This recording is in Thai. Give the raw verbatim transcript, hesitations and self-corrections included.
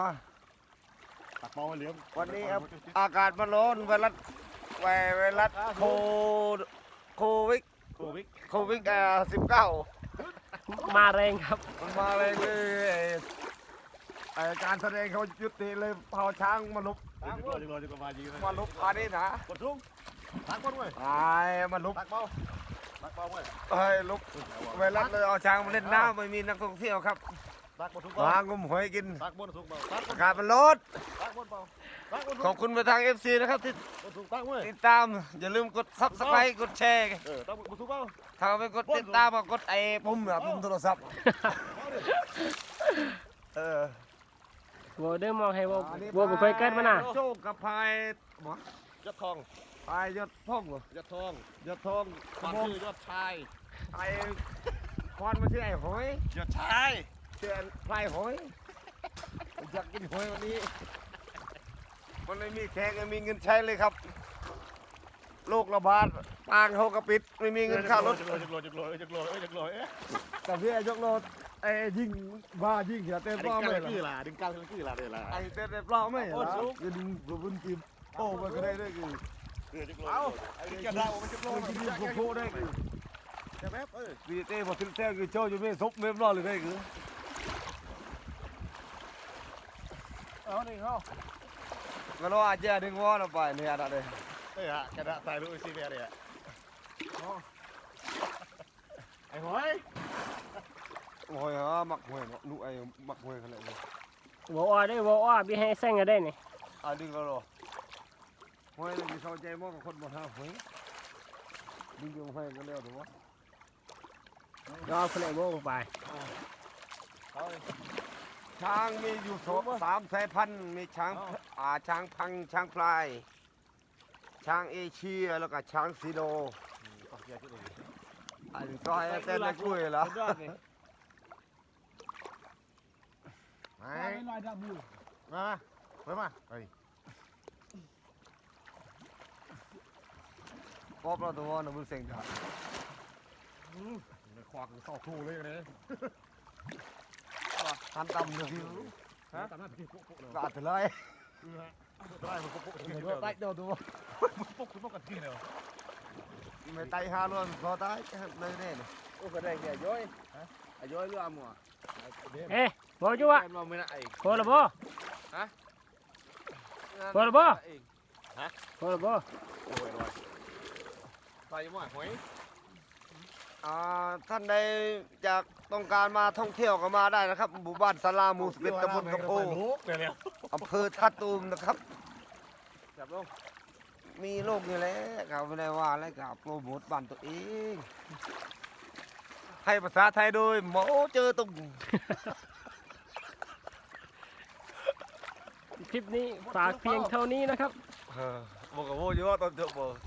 ตักเบาเหลี่ยมวันนี้ครับอากาศมันร้อนไวรัสไวไวรัสโคโควิดโควิดโควิดอ่าสิบเก้ามาแรงครับมันมาเลยเลยไอการแสดงเขายุติเลยเผาช้างมาลุกจะกลัวจะกลัวจะกลัวมายิงมาลุกอันนี้นะกดทุ่งตักบอลเว้ยไอ้มาลุกตักเบาตักเบาเว้ยเฮ้ยลุกไวรัสเลยเอาช้างมาเล่นน้ำไม่มีนักท่องเที่ยวครับตักบอลทุกหางมหอยกินตักบอลทุกเบาตักอากาศมันร้อนตักบอลเบาตักบอลขอบคุณไปทาง เอฟ ซี นะครับที่ทุกตักเว้ยติดตามอย่าลืมกดซับสไครต์กดแชร์เออตักบอลทุกเบาถ้าไปกดติดตามก็กดไอ้ปุ่มอะปุ่มโทรศัพท์เออวัวเดิมมองให้วัววัวบุกไปเกิดมาน่ะโชคกับพายหมยอดทองพายยอดพ่องเหรอยอดทองยอดทองความชื่อยอดชายไอ้ควานมาชื่อไอ้หอยยอดชายชื่อพลายหอยอยากกินหอยวันนี้มันไม่มีแขกไม่มีเงินใช้เลยครับโรคระบาดปางเขากระปิดไม่มีเงินค่ารถจะโกรธจะโกรธจะโกรธจะโกรธจะโกรธแต่พี่ไอ้ยกโลดไอ้ยิงบ้ายิงเสียเต้นปล้อไม่หรอดึงกลางคืออะไรล่ะไอ้เต้นปล้อไม่เหรอจะดึงบุญจิมโอ้มาก็ได้ด้วยคือเอาไอ้จะได้มันจะโกรธจิมโคโค่ได้คือจะแป๊บเออวีเต้บอกถึงแท้คือโจ้อยู่ไม่ซบไม่รอดเลยได้คือเอาหนึ่งเขาก็รออาจจะดึงวอลไปเนี่ยอะไรเลยเอ้ยฮะกระดาษใส่ลูกซีเรียเนี่ยไอ้หอยหอยฮะหมักหอยเนาะลูกไอ้หมักหอยขนาดนี้วัวได้วัวบีให้เส้นกันได้นี่อ่ะดึงก็รอหอยมีเข้าใจมากกับคนหมดฮะหอยดึงยังหอยกันแล้วถูกไหมรอคนไหนวัวไปช้างมีอยู่สามสายพันธุ์มีช้างอ่าช้างพังช้างพลายช้างเอเชียแล้วก็ช้างซีโดอันนี้ก็ให้เต้นในกล้วยเหรอไม่ลอยดับบูมาไปมาไปป๊อปเราตัวนั้นมันเสียงจ้ะควักสอบทูเลยเลยทำตำเลยพี่ฮะตำหน้าพี่ปุ๊กปุ๊กเลยกาดเลยได้มันปุ๊กปุ๊กเดี๋ยวไต่เดี๋ยวตัวปุ๊กปุ๊กกันที่เดียวไม่ไต่หาล้วนพอไต่เลยเนี่ยโอ้ก็ได้แค่ย้อยฮะย้อยเรือมัวเอ๊ะวัวจุ๊วะพอแล้วบ่ฮะพอแล้วบ่ฮะพอแล้วบ่โอ้ยลอยไปยังไงหอยอ่าท่านใดอยากต้องการมาท่องเที่ยวก็มาได้นะครับหมู่บ้านสลาหมู่สิบเอ็ดตำบลกระโพอำเภอท่าตูมนะครับจับลงมีโรคอยู่แล้วครับไม่ได้ว่าอะไรกับโปรโมทบ้านตัวเองให้ภาษาไทยโดยหมอเจอตุงคลิปนี้ฝากเพียงเท่านี้นะครับบอกกับโมเยอะตอนจบ